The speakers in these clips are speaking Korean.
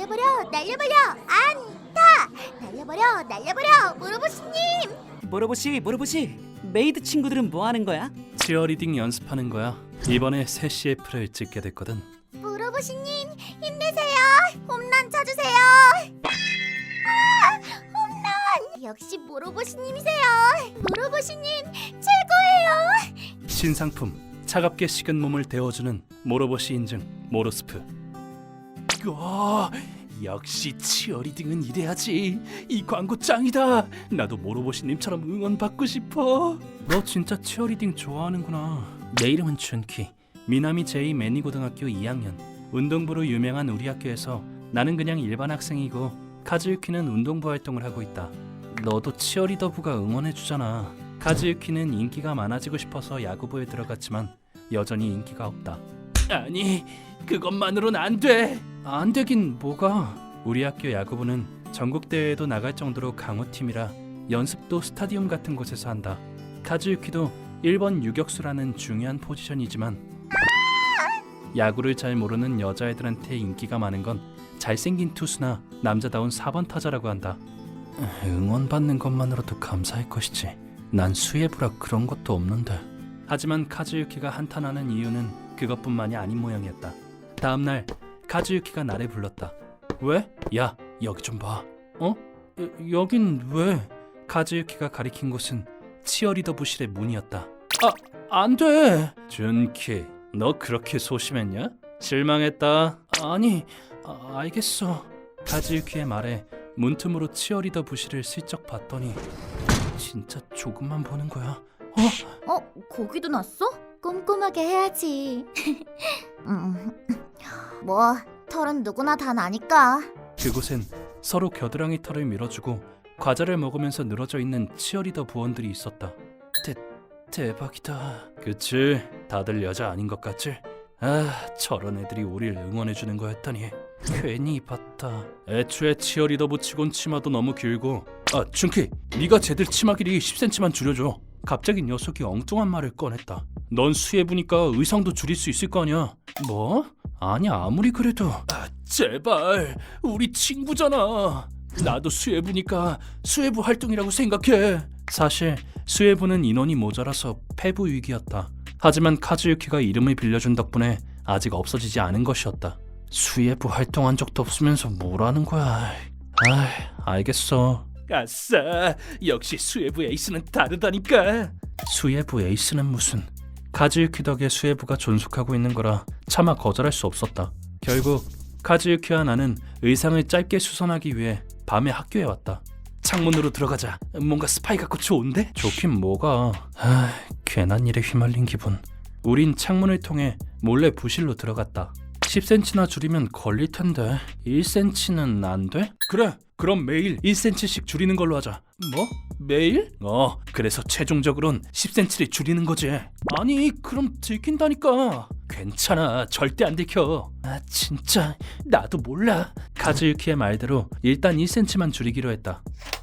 날려버려 날려버려 안타 날려버려 날려버려 모로보시님. 모로보시 메이드 친구들은 뭐 하는 거야? 치어리딩 연습하는 거야. 이번에 새 CF를 찍게 됐거든. 모로보시님 힘내세요. 홈런 쳐주세요. 홈런. 역시 모로보시님이세요. 모로보시님 최고예요. 신상품 차갑게 식은 몸을 데워주는 모로보시 인증 모로스프. 와, 역시 치어리딩은 이래야지. 이 광고 짱이다. 나도 모로보시님처럼 응원받고 싶어. 너 진짜 치어리딩 좋아하는구나. 내 이름은 준키. 미나미 제이 매니고등학교 2학년. 운동부로 유명한 우리 학교에서 나는 그냥 일반 학생이고 카즈유키는 운동부 활동을 하고 있다. 너도 치어리더부가 응원해주잖아. 카즈유키는 인기가 많아지고 싶어서 야구부에 들어갔지만 여전히 인기가 없다. 아니, 그것만으론 안 돼. 안 되긴 뭐가. 우리 학교 야구부는 전국대회에도 나갈 정도로 강호팀이라 연습도 스타디움 같은 곳에서 한다. 카즈유키도 1번 유격수라는 중요한 포지션이지만 야구를 잘 모르는 여자애들한테 인기가 많은 건 잘생긴 투수나 남자다운 4번 타자라고 한다. 응원받는 것만으로도 감사할 것이지. 난 수예부라 그런 것도 없는데. 하지만 카즈유키가 한탄하는 이유는 그것뿐만이 아닌 모양이었다. 다음날 카즈유키가 나를 불렀다. 왜? 야, 여기 좀 봐. 여긴 왜? 카즈유키가 가리킨 곳은 치어리더 부실의 문이었다. 안 돼. 준키, 너 그렇게 소심했냐? 실망했다. 아니, 알겠어. 카즈유키의 말에 문틈으로 치어리더 부실을 슬쩍 봤더니 진짜 조금만 보는 거야. 거기도 났어? 꼼꼼하게 해야지. 뭐 털은 누구나 다 나니까. 그곳엔 서로 겨드랑이 털을 밀어주고 과자를 먹으면서 늘어져 있는 치어리더 부원들이 있었다. 대박이다. 그치? 다들 여자 아닌 것 같지? 저런 애들이 우릴 응원해주는 거였다니 괜히 봤다. 애초에 치어리더 부치곤 치마도 너무 길고. 준키, 네가 쟤들 치마 길이 10cm만 줄여줘. 갑자기 녀석이 엉뚱한 말을 꺼냈다. 넌 수예부니까 의상도 줄일 수 있을 거 아니야. 뭐? 아니, 아무리 그래도. 제발, 우리 친구잖아. 나도 수예부니까 수예부 활동이라고 생각해. 사실 수예부는 인원이 모자라서 폐부 위기였다. 하지만 카즈유키가 이름을 빌려준 덕분에 아직 없어지지 않은 것이었다. 수예부 활동한 적도 없으면서 뭐라는 거야. 알겠어. 아싸, 역시 수예부 에이스는 다르다니까. 수예부 에이스는 무슨. 카즈유키 덕에 수예부가 존속하고 있는 거라 차마 거절할 수 없었다. 결국 카즈유키와 나는 의상을 짧게 수선하기 위해 밤에 학교에 왔다. 창문으로 들어가자. 뭔가 스파이 같고 좋은데? 좋긴 뭐가. 괜한 일에 휘말린 기분. 우린 창문을 통해 몰래 부실로 들어갔다. 10cm나 줄이면 걸릴 텐데 1cm는 안 돼? 그래, 그럼 매일 1cm씩 줄이는 걸로 하자. 뭐? 매일? 그래서 최종적으론 10cm를 줄이는 거지. 아니, 그럼 들킨다니까. 괜찮아, 절대 안 들켜. 진짜 나도 몰라. 카즈유키의 말대로 일단 1cm만 줄이기로 했다.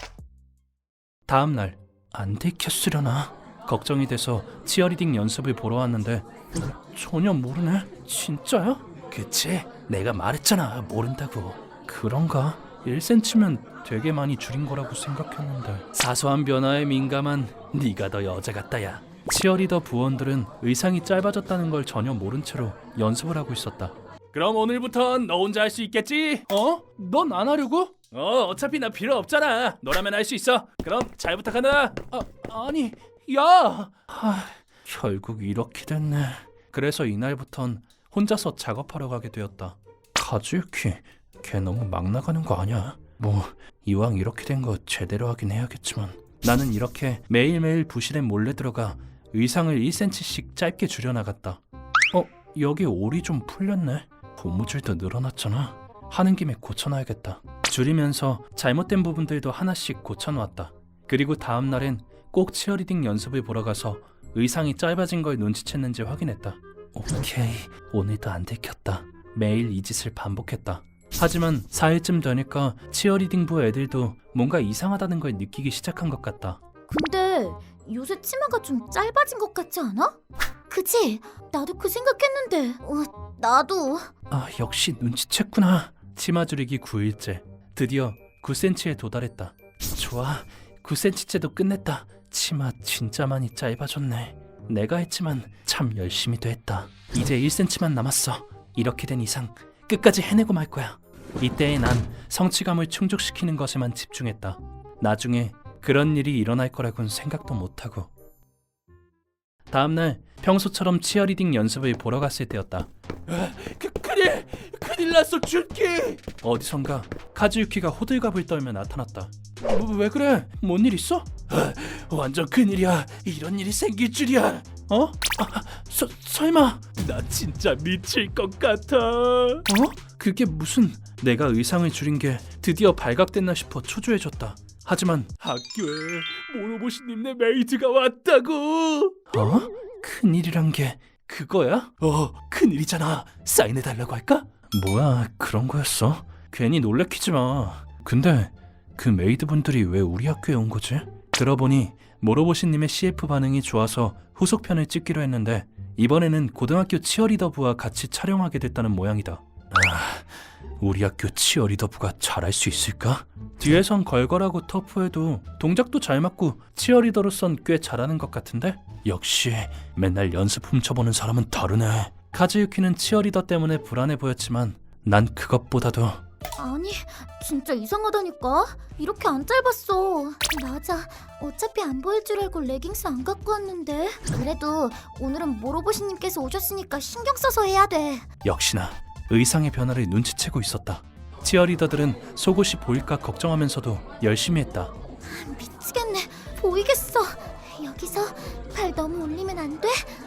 다음 날 안 들켰으려나? 걱정이 돼서 치어리딩 연습을 보러 왔는데 전혀 모르네. 진짜야? 그치? 내가 말했잖아, 모른다고. 그런가? 1cm면 되게 많이 줄인 거라고 생각했는데. 사소한 변화에 민감한 네가 더 여자 같다야. 치어리더 부원들은 의상이 짧아졌다는 걸 전혀 모른 채로 연습을 하고 있었다. 그럼 오늘부턴 너 혼자 할 수 있겠지? 넌 안 하려고? 어차피 나 필요 없잖아. 너라면 할 수 있어. 그럼 잘 부탁한다. 아니, 야. 결국 이렇게 됐네. 그래서 이날부턴 혼자서 작업하러 가게 되었다. 카즈유키, 걔 너무 막 나가는 거 아니야? 뭐 이왕 이렇게 된 거 제대로 하긴 해야겠지만. 나는 이렇게 매일매일 부실에 몰래 들어가 의상을 1cm씩 짧게 줄여나갔다. 여기 올이 좀 풀렸네. 고무줄도 늘어났잖아. 하는 김에 고쳐놔야겠다. 줄이면서 잘못된 부분들도 하나씩 고쳐놓았다. 그리고 다음 날엔 꼭 치어리딩 연습을 보러 가서 의상이 짧아진 걸 눈치챘는지 확인했다. 오케이, 오늘도 안 들켰다. 매일 이 짓을 반복했다. 하지만 4일쯤 되니까 치어리딩부 애들도 뭔가 이상하다는 걸 느끼기 시작한 것 같다. 근데 요새 치마가 좀 짧아진 것 같지 않아? 그치? 나도 그 생각했는데. 나도. 역시 눈치챘구나. 치마 줄이기 9일째. 드디어 9cm에 도달했다. 좋아, 9cm째도 끝냈다. 치마 진짜 많이 짧아졌네. 내가 했지만 참 열심히도 했다. 이제 1cm만 남았어. 이렇게 된 이상 끝까지 해내고 말 거야. 이때에 난 성취감을 충족시키는 것에만 집중했다. 나중에 그런 일이 일어날 거라곤 생각도 못하고. 다음날 평소처럼 치어리딩 연습을 보러 갔을 때였다. 큰일 났어, 준키! 어디선가 카즈유키가 호들갑을 떨며 나타났다. 왜 그래? 뭔 일 있어? 완전 큰일이야. 이런 일이 생길 줄이야. 어? 설마. 나 진짜 미칠 것 같아. 그게 무슨... 내가 의상을 줄인 게 드디어 발각됐나 싶어 초조해졌다. 하지만 학교에 모노보시님네 메이드가 왔다고. 큰일이란 게 그거야? 큰일이잖아. 사인해달라고 할까? 뭐야, 그런 거였어? 괜히 놀래키지 마. 근데 그 메이드분들이 왜 우리 학교에 온 거지? 들어보니 모로보시님의 CF 반응이 좋아서 후속편을 찍기로 했는데 이번에는 고등학교 치어리더부와 같이 촬영하게 됐다는 모양이다. 우리 학교 치어리더부가 잘할 수 있을까? 뒤에선 걸걸하고 터프해도 동작도 잘 맞고 치어리더로선 꽤 잘하는 것 같은데? 역시 맨날 연습 훔쳐보는 사람은 다르네. 카즈유키는 치어리더 때문에 불안해 보였지만 난 그것보다도... 아니, 진짜 이상하다니까. 이렇게 안 짧았어. 맞아, 어차피 안 보일 줄 알고 레깅스 안 갖고 왔는데. 그래도 오늘은 모로보시님께서 오셨으니까 신경 써서 해야 돼. 역시나 의상의 변화를 눈치채고 있었다. 치어리더들은 속옷이 보일까 걱정하면서도 열심히 했다. 미치겠네. 보이겠어. 여기서 발 너무 올리면 안 돼?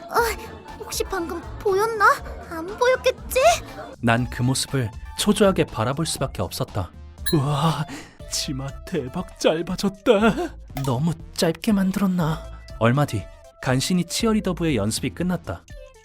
혹시 방금 보였나? 안 보였겠지? 난 그 모습을 초조하게 바라볼 수밖에 없었다. 우와, 치마 대박 짧아졌다. 너무 짧게 만들었나? 얼마 뒤 간신히 치어리더부의 연습이 끝났다.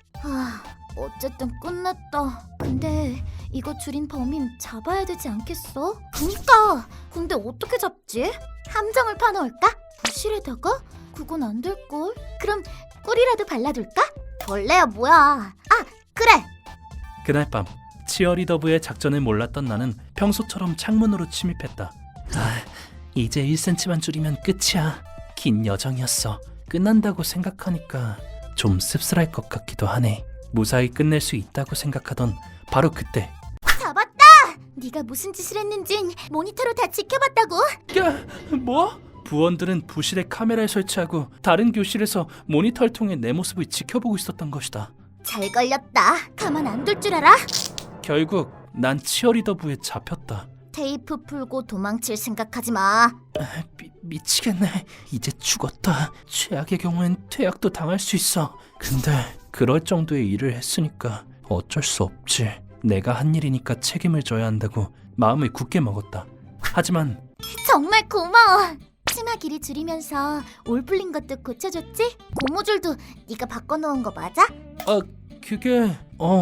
어쨌든 끝났다. 근데 이거 줄인 범인 잡아야 되지 않겠어? 그니까! 근데 어떻게 잡지? 함정을 파놓을까? 부실에다가? 그건 안 될걸? 그럼 꿀이라도 발라둘까? 벌레야 뭐야. 그래! 그날 밤 치어리더부의 작전을 몰랐던 나는 평소처럼 창문으로 침입했다. 이제 1cm만 줄이면 끝이야. 긴 여정이었어. 끝난다고 생각하니까 좀 씁쓸할 것 같기도 하네. 무사히 끝낼 수 있다고 생각하던 바로 그때. 잡았다! 네가 무슨 짓을 했는진 모니터로 다 지켜봤다고. 뭐? 부원들은 부실에 카메라를 설치하고 다른 교실에서 모니터를 통해 내 모습을 지켜보고 있었던 것이다. 잘 걸렸다. 가만 안 둘 줄 알아? 결국 난 치어리더부에 잡혔다. 테이프 풀고 도망칠 생각하지 마. 미치겠네. 이제 죽었다. 최악의 경우엔 퇴학도 당할 수 있어. 근데 그럴 정도의 일을 했으니까 어쩔 수 없지. 내가 한 일이니까 책임을 져야 한다고 마음을 굳게 먹었다. 하지만 정말 고마워. 치마 길이 줄이면서 올 풀린 것도 고쳐줬지? 고무줄도 네가 바꿔놓은 거 맞아? 그게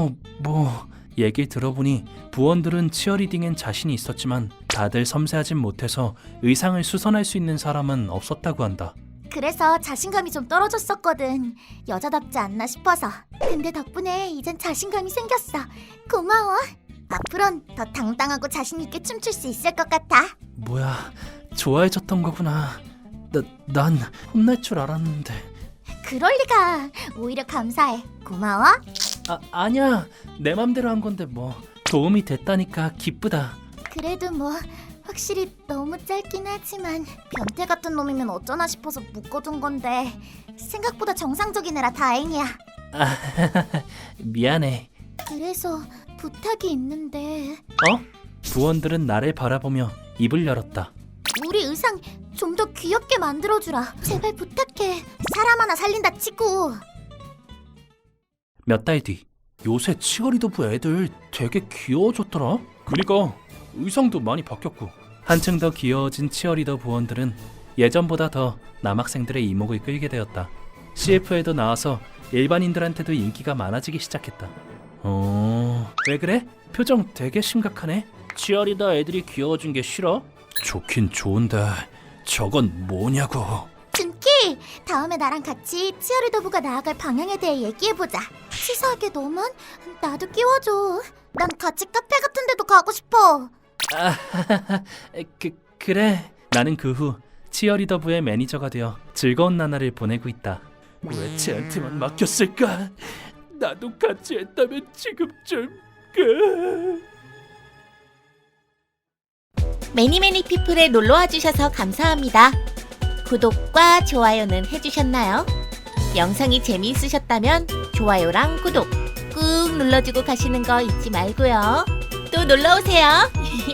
얘기 들어보니 부원들은 치어리딩엔 자신이 있었지만 다들 섬세하진 못해서 의상을 수선할 수 있는 사람은 없었다고 한다. 그래서 자신감이 좀 떨어졌었거든. 여자답지 않나 싶어서. 근데 덕분에 이젠 자신감이 생겼어. 고마워. 앞으론 더 당당하고 자신 있게 춤출 수 있을 것 같아. 뭐야, 좋아해줬던 거구나. 난 혼날 줄 알았는데. 그럴 리가. 오히려 감사해. 고마워. 아니야. 내 맘대로 한 건데 뭐. 도움이 됐다니까 기쁘다. 그래도 뭐 확실히 너무 짧긴 하지만 변태 같은 놈이면 어쩌나 싶어서 묶어둔 건데 생각보다 정상적인 애라 다행이야. 미안해. 그래서 부탁이 있는데. 부원들은 나를 바라보며 입을 열었다. 우리 의상 좀 더 귀엽게 만들어주라. 제발 부탁해. 사람 하나 살린다 치고. 몇 달 뒤. 요새 치어리더부 애들 되게 귀여워졌더라. 그니까 의상도 많이 바뀌었고. 한층 더 귀여워진 치어리더 부원들은 예전보다 더 남학생들의 이목을 끌게 되었다. CF에도 나와서 일반인들한테도 인기가 많아지기 시작했다. 왜 그래? 표정 되게 심각하네. 치어리더 애들이 귀여워진 게 싫어? 좋긴 좋은데 저건 뭐냐고. 준키, 다음에 나랑 같이 치어리더부가 나아갈 방향에 대해 얘기해보자. 치사하게 너만? 나도 끼워줘. 난 같이 카페 같은 데도 가고 싶어. 그래. 나는 그 후 치어리더부의 매니저가 되어 즐거운 나날을 보내고 있다. 왜 쟤한테만 맡겼을까? 나도 같이 했다면 지금쯤 매니매니 피플에 놀러와 주셔서 감사합니다. 구독과 좋아요는 해주셨나요? 영상이 재미있으셨다면 좋아요랑 구독 꾹 눌러주고 가시는 거 잊지 말고요. 또 놀러오세요.